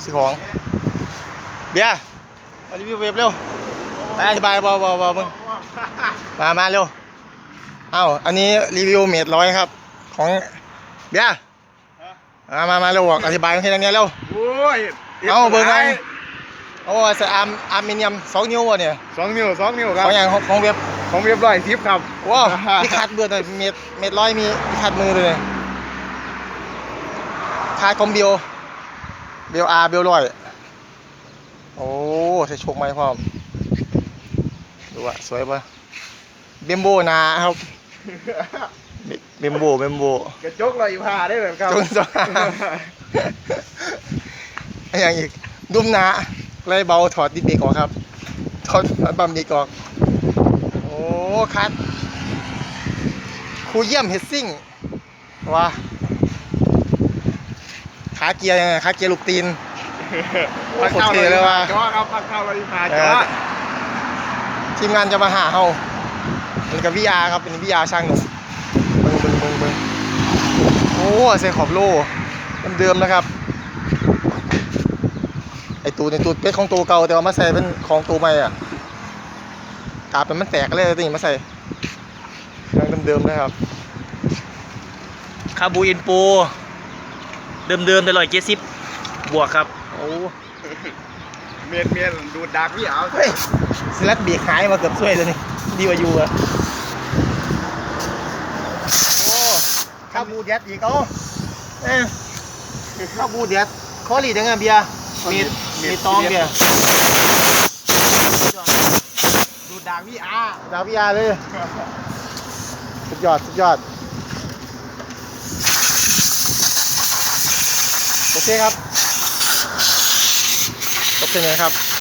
ซื้อของเบียร์มารีวิวเว็บเร็วไปอธิบายบอมึงมาเร็วเอ้าอันนี้รีวิวเมตรร้อยครับของเบียร์มาเร็วบอกอธิบายให้ทางนี้เร็วโอ้ยเอาเบอร์ไงโอ้ใส่อาร์มิเนียม2 นิ้ววะเนี่ย 2 นิ้วครับของอย่างของเว็บ 110ครับว้าวมีคัดเบอร์เลยเมตรร้อยมีคัดมือเลยคัดคอมเบลอาร์เบลร้อยโอ้ใส่โชคไหมพ่อดูอะสวยปะเบมโบนะครับเบมโบกระจกลอยผ่าได้แบบครับจนอย่างอีกดุมนาเลยเบาถอดดิสเบรกออกครับถอดบัมเบรกออกโอ้คัดครูเยี่ยมเฮดซิ่งว้าขาเกียร์ยังไงขาเกียร์ลูกตีนโคตรเท่เลยว่ะจ้อครับพักเข้าลอยผ่าจ้อทีมงานจะมาหาเฮาเป็นกับวิอาครับเป็นวิอาช่างหนุ่มเบิ่งโอ้ใส่ขอบโล่เดิมนะครับไอตูในตูดเพชรของตัวเก่าแต่ว่ามาใส่เป็นของตัวใหม่อ่ะกาบมันแตกเลยตีมาใส่เดิมนะครับคาบูอินโปเดิมไป170 บวกครับโอ้เมียนดูดดักพี่เอาเฮ้ยสลัดเบรกหายมาเกือบช่วยเลยนี่ดีกว่าอยู่อะโอ้คาบูเดียดอีกคาบูเดียดคอรีดยังไงเบียร์มีตองเบียร์ดูดดักพี่อาเลยสุดยอดโอเคครับจบเป็นไงครับ